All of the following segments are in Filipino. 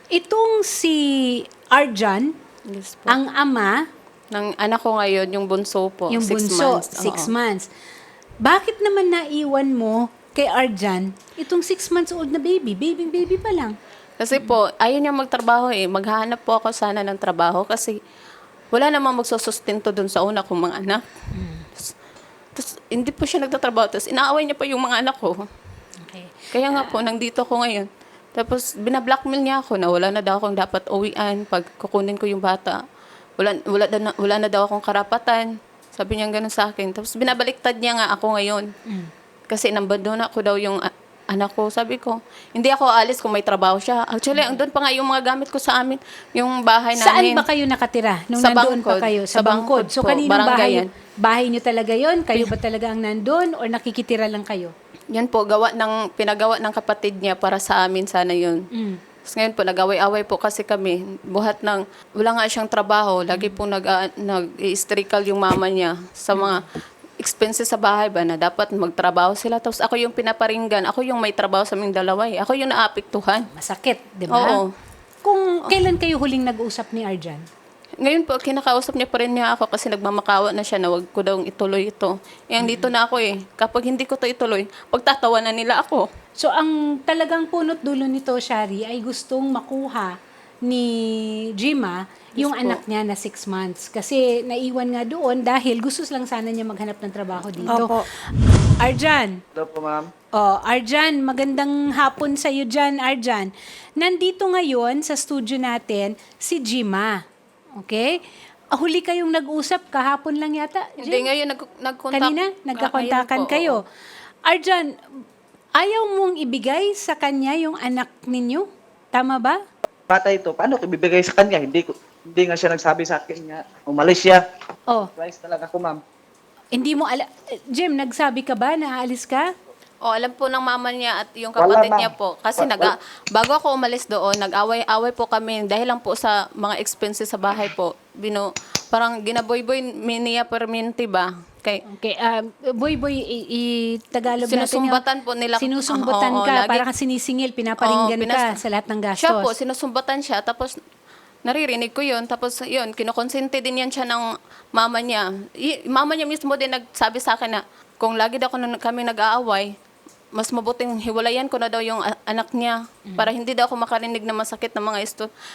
Itong si Arjan, Yes po. ang ama, Ng anak ko ngayon, yung bunso po, yung 6 bunso, months. 6 Oo. months. Bakit naman naiwan mo kay Arjan itong 6 months old na baby? Baby pa lang. Kasi po, ayaw niya magtrabaho eh. Maghahanap po ako sana ng trabaho kasi wala namang magsusustento dun sa una kong mga anak. Tapos, hindi po siya nagtatrabaho. Tapos, inaaway niya pa yung mga anak ko. Okay. Kaya nga po, nandito ako ngayon. Tapos, binablockmail niya ako na wala na daw akong dapat uwian pag kukunin ko yung bata. Wala na daw akong karapatan. Sabi niya gano'n sa akin. Tapos, binabaliktad niya nga ako ngayon. Kasi nambandona ko daw yung anak ko. Sabi ko, hindi ako aalis kung may trabaho siya. Actually, andun pa nga yung mga gamit ko sa amin, yung bahay Saan namin. ba kayo nakatira nung Sa nandoon pa Bangkod. kayo? Sa Sa Bangkod. Bangkod So, po, kaninong barangay bahay? yan. Bahay niyo talaga yon? Kayo ba talaga ang nandun? Or nakikitira lang kayo? Yan po, pinagawa ng kapatid niya para sa amin sana yun. Mm. Tapos ngayon po, nag-away-away po kasi kami. Buhat ng, wala nga siyang trabaho. Lagi po nag-i-strical yung mama niya sa mga expenses sa bahay ba na dapat magtrabaho sila. Tapos ako yung pinaparinggan. Ako yung may trabaho sa aming dalawa eh. Ako yung naapektuhan. Masakit, di ba? Oo. Kung kailan kayo huling nag-usap ni Arjan? Ngayon po, kinakausap niya pa rin niya ako kasi nagmamakawa na siya na wag ko daw ituloy ito. Eh, dito na ako eh. Kapag hindi ko to ituloy, pagtatawanan nila ako. So, ang talagang punot dulo nito, Shari, ay gustong makuha ni Jima yung Yes po. anak niya na 6 months. Kasi naiwan nga doon dahil gusto lang sana niya maghanap ng trabaho dito. Opo. Arjan, Hello po, ma'am. oh, Arjan, magandang hapon sa iyo dyan, Arjan. Nandito ngayon sa studio natin si Jima. Okay? Huli kayong nag-usap kahapon lang yata. Hindi, Jim? ngayon nag-contact. Kanina, nagkakontakan Ngayon po, kayo. oo. Arjan, ayaw mong ibigay sa kanya yung anak ninyo? Tama ba? Bata ito, paano ko ibibigay sa kanya? Hindi nga siya nagsabi sa akin nga. Umalis siya. Oh, Surprise talaga ako, ma'am. hindi mo Jim, nagsabi ka ba na aalis ka? Alam po ng mama niya at yung Wala, kapatid ma'am. niya po. Kasi bago ako umalis doon, nag-away-away po kami dahil lang po sa mga expenses sa bahay po. Parang ginaboy-boy niya perminti ba? Okay, boy, Tagalog natin Sinusumbatan po nila. Sinusumbatan Oo, ka, lagi. para kang sinisingil, pinaparinggan Oo, ka sa lahat ng gastos. Siya po, sinusumbatan siya. Tapos, naririnig ko yun. Tapos, yun, kinukonsente din yan siya ng mama niya. Mama niya mismo din nagsabi sa akin na kung lagi daw kami nag-aaway, mas mabuting hiwalayan ko na daw yung anak niya para hindi daw ako makarinig na masakit na mga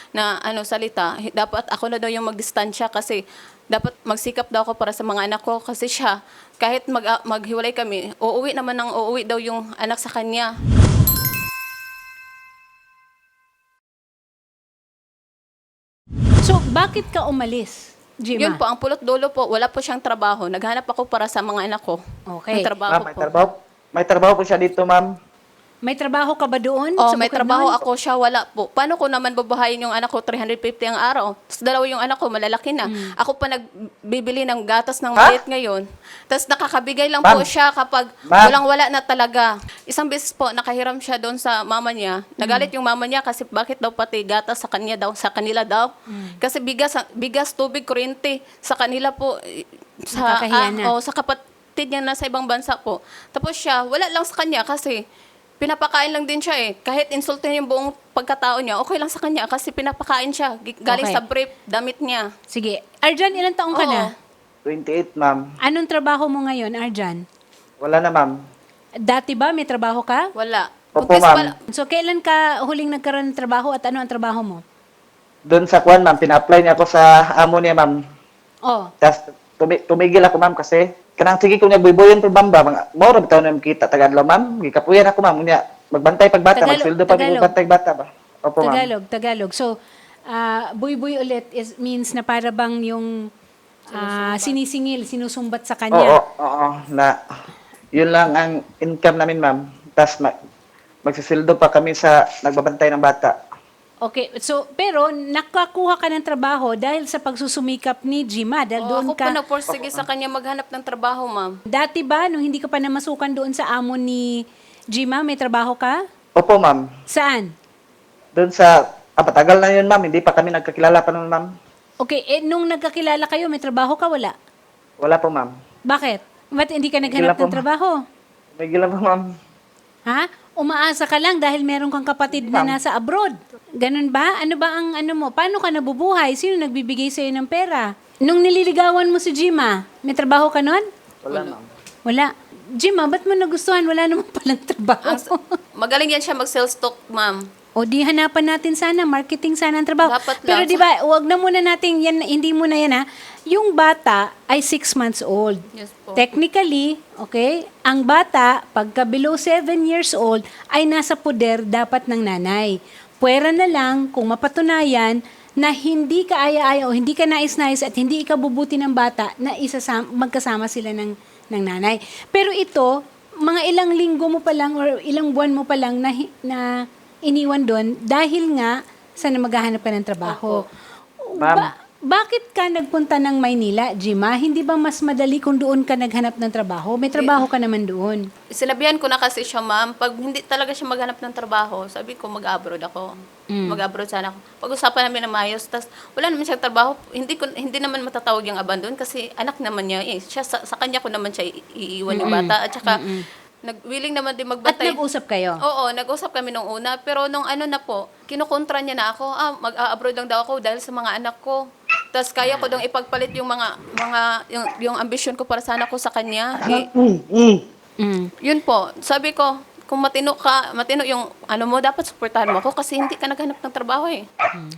salita. Dapat ako na daw yung magdistansya kasi dapat magsikap daw ako para sa mga anak ko kasi siya, kahit maghiwalay kami, uuwi daw yung anak sa kanya. So, bakit ka umalis, Jima? Yun po, ang pulot dulo po, wala po siyang trabaho. Naghanap ako para sa mga anak ko. Okay. Ng trabaho Ma'am, may po. trabaho. May trabaho po siya dito, ma'am. May trabaho ka ba doon? Oh, sa may bukod trabaho nun? ako, siya wala po. Paano ko naman babahayin yung anak ko 350 ang araw? Tapos dalawa yung anak ko, malalaki na. Ako pa nagbibili ng gatas ng maliit ngayon. Tapos nakakabigay lang po Ma'am. siya kapag Ma'am. walang-wala na talaga. Isang beses po, nakahiram siya doon sa mama niya. Nagalit yung mama niya kasi bakit daw pati gatas sa kanila daw. Kasi bigas, tubig, kuryente, sa kanila po, Nakakahiya na. sa kapatid niya na sa ibang bansa po. Tapos siya, wala lang sa kanya kasi pinapakain lang din siya eh. Kahit insultin yung buong pagkatao niya, okay lang sa kanya kasi pinapakain siya. Galing Okay. sa brief, damit niya. Sige. Arjan, ilang taong ka Oo. na? 28, ma'am. Anong trabaho mo ngayon, Arjan? Wala na, ma'am. Dati ba may trabaho ka? Wala. Opo, Buntis ma'am. So, kailan ka huling nagkaroon ng trabaho at ano ang trabaho mo? Doon sa Kwan, ma'am, pina-apply niya ako sa amo niya, ma'am. Oh, Tapos tumigil ako, ma'am, kasi kanang sige ko niya buiboyan pa bamba mga mora bitaw na kita tagadlaw, ma'am. Gikapuyan ako, ma'am. Unya magbantay pagbata, magsildo pa Tagalog. magbantay bata ba. Opo, ma'am. Tagalog. So, buy-buy ulit means na para bang yung sinisingil, sinusumbat sa Oo, kanya. oo, na yun lang ang income namin, ma'am. Tapos magsisildo pa kami sa nagbabantay ng bata. Okay, so, pero nakakuha ka ng trabaho dahil sa pagsusumikap ni Jima. Dahil doon Ako ka, po nagporsige sa kanya maghanap ng trabaho, ma'am. dati ba, nung hindi ka pa namasukan doon sa amo ni Jima, may trabaho ka? Opo, ma'am. Saan? Doon sa patagal na yun, ma'am. Hindi pa kami nagkakilala pa noon, ma'am. Okay, nung nagkakilala kayo, may trabaho ka? Wala. Wala po, ma'am. Bakit? Ba't hindi ka naghanap Wala po, ng trabaho? May gila po, ma'am. Ha? umaasa ka lang dahil meron kang kapatid na nasa abroad. Ganun ba? Ano ba ang ano mo? Paano ka nabubuhay? Sino nagbibigay sa'yo ng pera? Nung nililigawan mo si Jima, may trabaho ka nun? Wala, ma'am. Wala. Jima, ba't mo nagustuhan? Wala naman palang trabaho. Magaling yan siya mag-sales talk, ma'am. O di hanapan natin sana, marketing sana ang trabaho. Dapat Pero lang. di ba, wag na muna natin, yan, hindi muna yan ha. Yung bata ay 6 months old. Yes po. Technically, okay, ang bata, pagka below 7 years old, ay nasa poder dapat ng nanay. Pwera na lang kung mapatunayan na hindi ka aya-aya o hindi ka nais-nais at hindi ikabubuti ng bata na magkasama sila ng nanay. Pero ito, mga ilang linggo mo pa lang or ilang buwan mo pa lang na iniwan doon dahil nga sa maghahanap ka ng trabaho. Ma'am. Bakit ka nagpunta ng Maynila, Jima? Hindi ba mas madali kung doon ka naghanap ng trabaho? May trabaho ka naman doon. Sinabihan ko na kasi siya, ma'am, pag hindi talaga siya maghanap ng trabaho, sabi ko mag-abroad ako. Mag-abroad sana ako. Pag-usapan namin na maayos, tas wala naman siyang trabaho. Hindi naman matatawag yung abandon kasi anak naman niya. Siya, sa kanya ko naman siya iiwan yung bata. At saka, willing naman din At magbantay. nag-usap kayo? Oo, nag-usap kami nung una. Pero nung ano na po, kinukontra niya na ako, mag-abroad lang daw ako dahil sa mga anak ko. Tapos kaya ko daw ipagpalit yung yung ambisyon ko para sana ko sa kanya. Yun po, sabi ko, kung matino yung ano mo, dapat suportahan mo ako kasi hindi ka naghanap ng trabaho eh.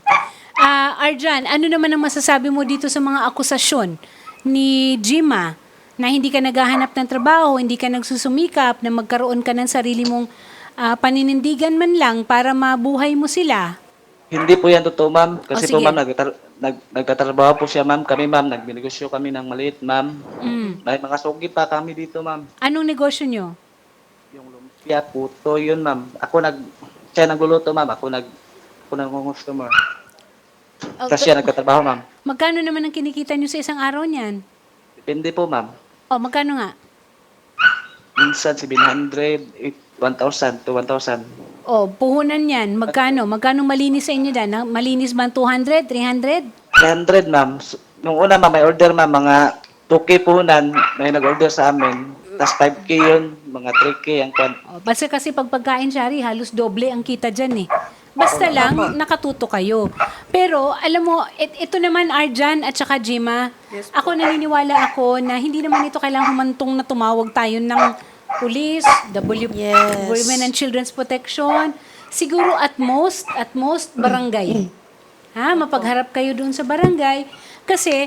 Arjan, ano naman ang masasabi mo dito sa mga akusasyon ni Jima na hindi ka naghahanap ng trabaho, hindi ka nagsusumikap na magkaroon ka ng sarili mong paninindigan man lang para mabuhay mo sila? Hindi po yan totoo, ma'am. Kasi sige. po, ma'am, nagtatrabaho po siya, ma'am. Kami, ma'am, nagbinegosyo kami ng maliit, ma'am. May mga sugi pa kami dito, ma'am. Anong negosyo nyo? Yung lumpia, puto, yun, ma'am. Siya nagluluto, ma'am. Ako nag-customer. Tapos siya nagtatrabaho, ma'am. Magkano naman ang kinikita nyo sa isang araw niyan? Depende po, ma'am. O, magkano nga? Minsan, 700, 1,000 to 1,000. O, puhunan yan. Magkano? Magkano malinis sa inyo dyan? Malinis ba ang 200, 300? 300, ma'am. Nung una, ma'am, may order, ma'am. Mga 2K puhunan, may nag-order sa amin. Tapos 5K yun, mga 3K ang kwan. O, basta kasi pag pagkain, Shari, halos doble ang kita dyan eh. Basta lang, nakatuto kayo. Pero, alam mo, ito naman, Arjan at saka Jima, ako naniniwala ako na hindi naman ito kailangan humantong na tumawag tayo ng police, Women and Children's Protection. Siguro at most, barangay. Mapagharap kayo doon sa barangay. Kasi,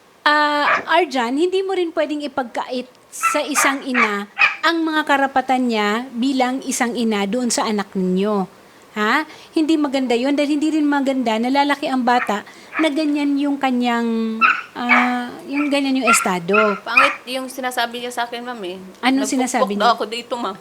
Arjan, hindi mo rin pwedeng ipagkait sa isang ina ang mga karapatan niya bilang isang ina doon sa anak ninyo. Hindi maganda yun dahil hindi rin maganda na lalaki ang bata na ganyan yung kanyang yung estado. Pangit yung sinasabi niya sa akin, ma'am eh. Anong sinasabi Nagpupok daw niya? ako dito, ma'am.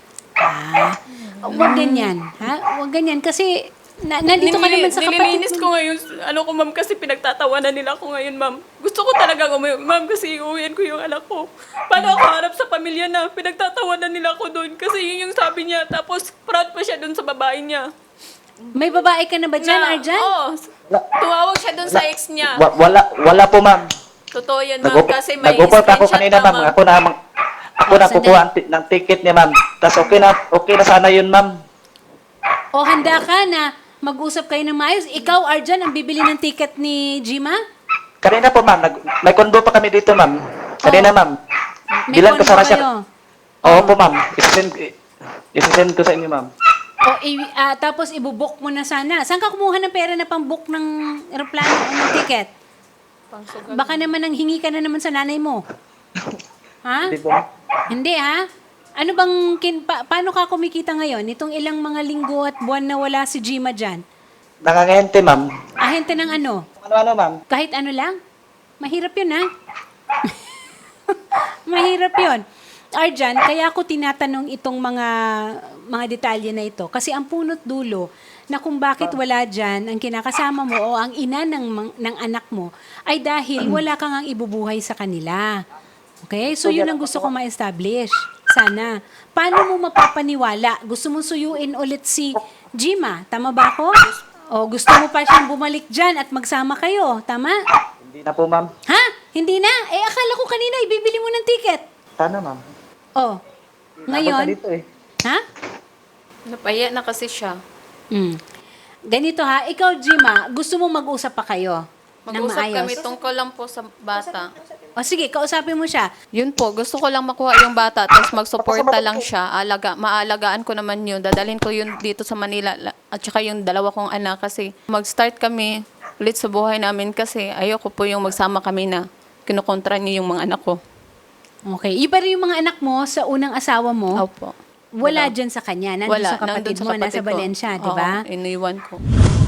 Huwag ganyan. Huwag ganyan kasi nandito ka naman sa kapatid Nililinis ko ngayon, ma'am, kasi pinagtatawanan nila ako ngayon, ma'am. Gusto ko talaga umuwi, ma'am, kasi iuwian ko yung anak ko. Paano ako harap sa pamilya na pinagtatawanan nila ako doon? Kasi yun yung sabi niya, tapos proud pa siya doon sa babae niya. May babae ka na ba dyan, Arjan? Oo, tuwawag siya doon sa ex niya. Wala po, ma'am. Totoo yan, ma'am, kasi may Nag-offer pa ako screenshot kanina, pa, ma'am. Ako na kukuha ng ticket niya, ma'am. Tapos okay na sana yun, ma'am. O handa ka na mag-usap kayo ng maayos? Ikaw, Arjan, ang bibili ng ticket ni Jima? Kanina po, ma'am. May condo pa kami dito, ma'am. Kanina, ma'am. May Bilang kondo kasama kayo? siya. Oo po, ma'am. Isisend ko sa inyo, ma'am. Tapos ibubok mo na sana. Saan ka kumuha ng pera na pang-book ng aeroplano o ng ticket? Baka naman nang hingi ka na naman sa nanay mo. Hindi po. Hindi ha? Ano bang, paano ka kumikita ngayon? Itong ilang mga linggo at buwan na wala si Jima dyan. Nangangahente, ma'am. Ahente ng ano? Ano, ma'am? Kahit ano lang? Mahirap yun ha? Mahirap yun. Arjan, kaya ako tinatanong itong mga detalye na ito. Kasi ang punot dulo na kung bakit wala dyan ang kinakasama mo o ang ina ng anak mo ay dahil wala kang ang ibubuhay sa kanila. Okay? So yun ang gusto ko ma-establish. Sana. Paano mo mapapaniwala? Gusto mo suyuin ulit si Jima? Tama ba ako? O gusto mo pa siyang bumalik dyan at magsama kayo? Tama? Hindi na po, ma'am. Ha? Hindi na? Akala ko kanina ibibili mo ng ticket. Sana, ma'am. Oh. Inabot Ngayon? na dito, eh. Ha? Napaya na kasi siya. Mm. Ganito ha, ikaw Jima, gusto mong mag-usap pa kayo? Ng Mag-usap maayos? kami tungkol lang po sa bata. O sige, kausapin mo siya. Yun po, gusto ko lang makuha yung bata, tapos magsuporta lang siya. Maalagaan ko naman yun. Dadalhin ko yun dito sa Manila. At saka yung dalawa kong anak kasi mag-start kami ulit sa buhay namin kasi ayoko po yung magsama kami na kinukontra niyo yung mga anak ko. Okay. Iba rin yung mga anak mo sa unang asawa mo. Opo. Wala dyan sa kanya. Nandun sa kapatid nandun sa mo, nasa ko. Valencia, di ba? Oo, iniwan ko.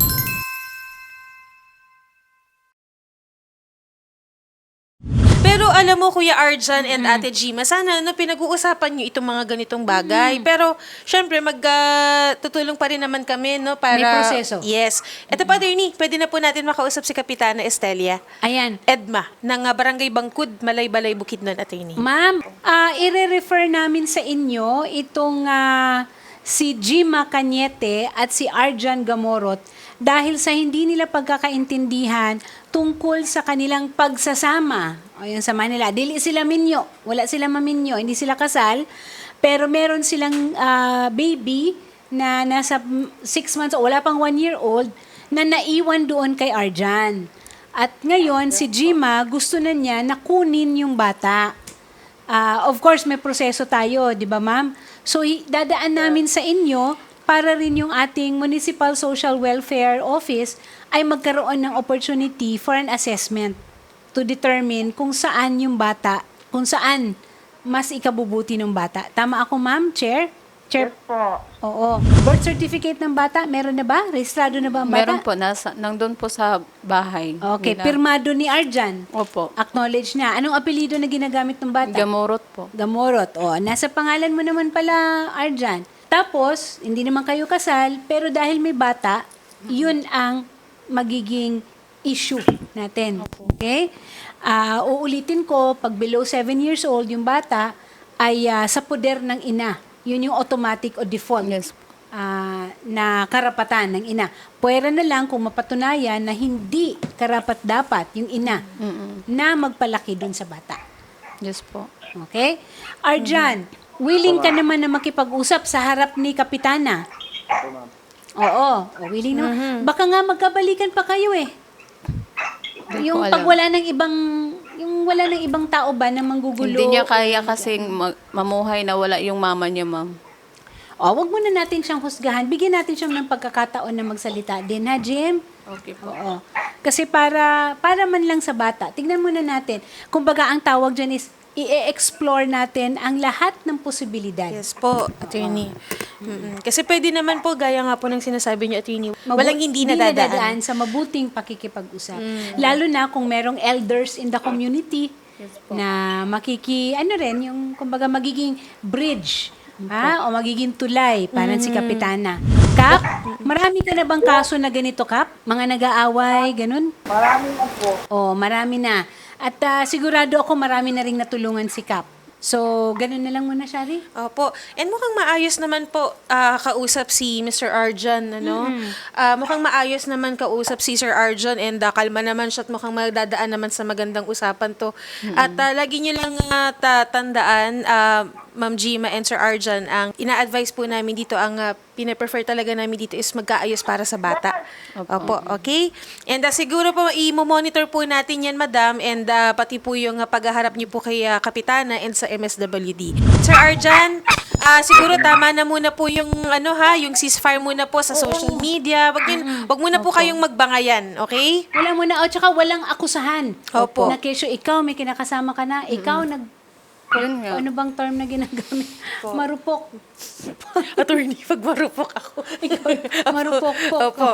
Pero alam mo, Kuya Arjan and Ate Gima, sana pinag-uusapan nyo itong mga ganitong bagay. Pero, syempre, tutulong pa rin naman kami, no? Para, May proseso. Yes. Ito pa, attorney, pwede na po natin makausap si Kapitana Estelia Ayan. Edma, ng Barangay Bangkud, Malay-Balay, Bukidnon, attorney. Ma'am, ire-refer namin sa inyo itong si Jima Cañete at si Arjan Gamorot dahil sa hindi nila pagkakaintindihan tungkol sa kanilang pagsasama. O yun sa Manila. Dili sila minyo. Wala sila maminyo. Hindi sila kasal. Pero meron silang baby na nasa 6 months o wala pang 1 year old na naiwan doon kay Arjan. At ngayon, si Jima gusto na niya na kunin yung bata. Of course, may proseso tayo, di ba ma'am? So, dadaan namin sa inyo para rin yung ating Municipal Social Welfare Office ay magkaroon ng opportunity for an assessment to determine kung saan yung bata, kung saan mas ikabubuti ng bata. Tama ako, ma'am? Chair? Chair? po. Oo. Birth certificate ng bata, meron na ba? Rehistrado na ba ang bata? Meron po, nandun po sa bahay. Okay, nila. pirmado ni Arjan. Opo. Acknowledge niya. Anong apelido na ginagamit ng bata? Gamorot po. Gamorot. O, nasa pangalan mo naman pala, Arjan. Tapos, hindi naman kayo kasal, pero dahil may bata, yun ang magiging issue natin. Okay? Uulitin ko, pag below 7 years old yung bata, ay sa poder ng ina. Yun yung automatic o default Yes. na karapatan ng ina. Pwera na lang kung mapatunayan na hindi karapat-dapat yung ina na magpalaki dun sa bata. Yes po. Okay? Arjan, willing ka naman na makipag-usap sa harap ni Kapitana? Oo, willing naman. Baka nga magkabalikan pa kayo eh. Hindi Yung ko pag alam. wala ng ibang tao ba na manggugulo? Hindi niya kaya kasing mamuhay na wala yung mama niya, ma'am. Wag muna natin siyang husgahan. Bigyan natin siya ng pagkakataon na magsalita din, ha, Jim? Okay po. Oo. Kasi para man lang sa bata, tignan muna natin. Kumbaga, ang tawag dyan is, i-explore natin ang lahat ng posibilidad. Yes po, attorney. Kasi pwede naman po, gaya nga po ng sinasabi niyo, attorney, walang hindi nadadaan. sa mabuting pakikipag-usap. Lalo na kung merong elders in the community na yung kumbaga magiging bridge o magiging tulay para si Kapitana. Kap, marami ka na bang kaso na ganito, Kap? Mga nag-aaway, ganun? Marami na po. Marami na. At sigurado ako marami na ring natulungan si Kap. So, ganun na lang muna, Shari. Opo. And mukhang maayos naman po kausap si Mr. Arjan, ano? Mukhang maayos naman kausap si Sir Arjan and kalma naman siya at mukhang magdadaan naman sa magandang usapan to. At lagi niyo lang tandaan, Ma'am Gima and Sir Arjan, ang ina-advise po namin dito, ang pina-prefer talaga namin dito is magkaayos para sa bata. Opo, okay? And siguro po, i-monitor po natin yan, Madam, and pati po yung paghaharap niyo po kay Kapitana and sa MSWD. Sir Arjan, siguro tama na muna po yung yung ceasefire muna po sa social media. Wag muna po kayong magbangayan, okay? Wala muna. Tsaka walang akusahan. Opo. Na kesyo, ikaw may kinakasama ka na. Ikaw Yun nga. ano bang term na ginagamit? Marupok. Attorney, pag marupok ako. Marupok-pok. Opo.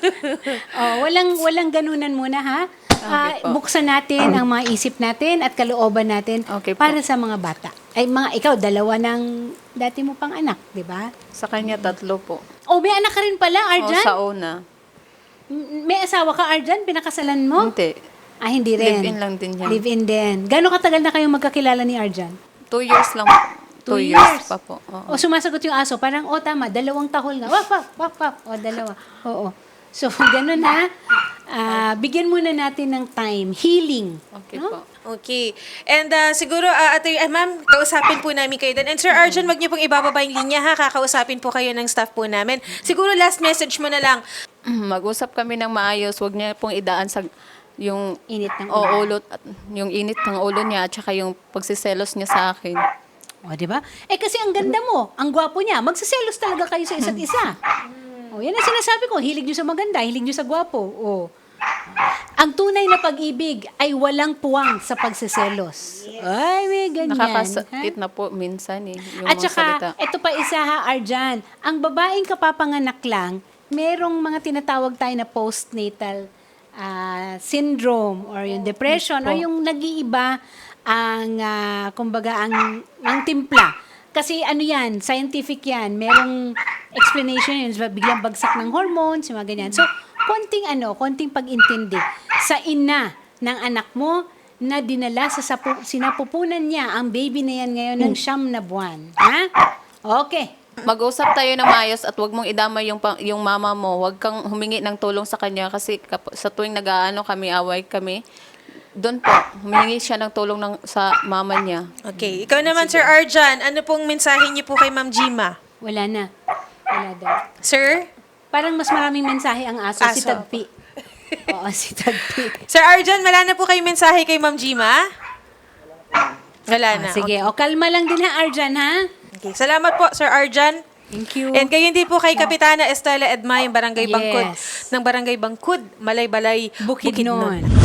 Walang ganunan muna, ha? Buksan natin ang mga isip natin at kalooban natin Okay po. para sa mga bata. Ikaw, dalawa ng dati mo pang anak, di ba? Sa kanya, 3 po. May anak ka rin pala, O, Arjan? sa una. May asawa ka, Arjan? Pinakasalan mo? Hindi. Hindi rin. Live-in lang din yan. Live-in din. Gano'ng katagal na kayong magkakilala ni Arjan? 2 years lang po. 2 years pa po. Oo. Sumasagot yung aso. Parang, tama, 2 tahol na. Wap, wap, wap, wap. 2. Oo. So, ganun ha. bigyan muna natin ng time. Healing. Okay no? po. Okay. And siguro, ma'am, kausapin po namin kayo din. And Sir Arjun, wag niyo pong ibababa yung linya ha. Kakausapin po kayo ng staff po namin. Siguro last message mo na lang. Mag-usap kami ng maayos, huwag niya pong idaan sa yung Init ng ulo at yung init ng ulo niya at saka yung pagsiselos niya sa akin. O, di ba? Kasi ang ganda mo, ang gwapo niya, magsiselos talaga kayo sa isa't isa. O, yan ang sinasabi ko, hilig nyo sa maganda, hilig nyo sa gwapo. O, ang tunay na pag-ibig ay walang puwang sa pagsiselos. Ay, may ganyan. Nakakasakit ha? na po minsan yung At mga salita. saka, ito pa isa ha, Arjan, ang babaeng kapapanganak lang, merong mga tinatawag tayo na postnatal syndrome or yung depression o yung nag-iiba ang, kumbaga, ang timpla. Kasi ano yan, scientific yan, merong explanation yun, biglang bagsak ng hormones, yung mga ganyan. So, konting pag-intindi sa ina ng anak mo na dinala sa sinapupunan niya ang baby na yan ngayon ng 9 na buwan. Ha? Okay. Mag-usap tayo na maayos at wag mong idamay yung mama mo. Wag kang humingi ng tulong sa kanya kasi sa tuwing nag-aano kami, away kami, doon po, humingi siya ng tulong sa mama niya. Okay. Ikaw naman, Sir Arjan, ano pong mensahe niyo po kay Ma'am Jima? Wala na. Wala daw. Sir? Parang mas maraming mensahe ang aso, si Aso. Tagpi. Oo, si Tagpi. Sir Arjan, wala na po kayo mensahe kay Ma'am Jima? Wala na. Sige, kalma lang din ha, Arjan, ha? Okay. Salamat po, Sir Arjan. Thank you. And kayo din po kay Kapitana Estela Edma, yung Barangay Bangkod, Yes. ng Barangay Bangkod, Malay-Balay, Bukidnon. Bukidnon.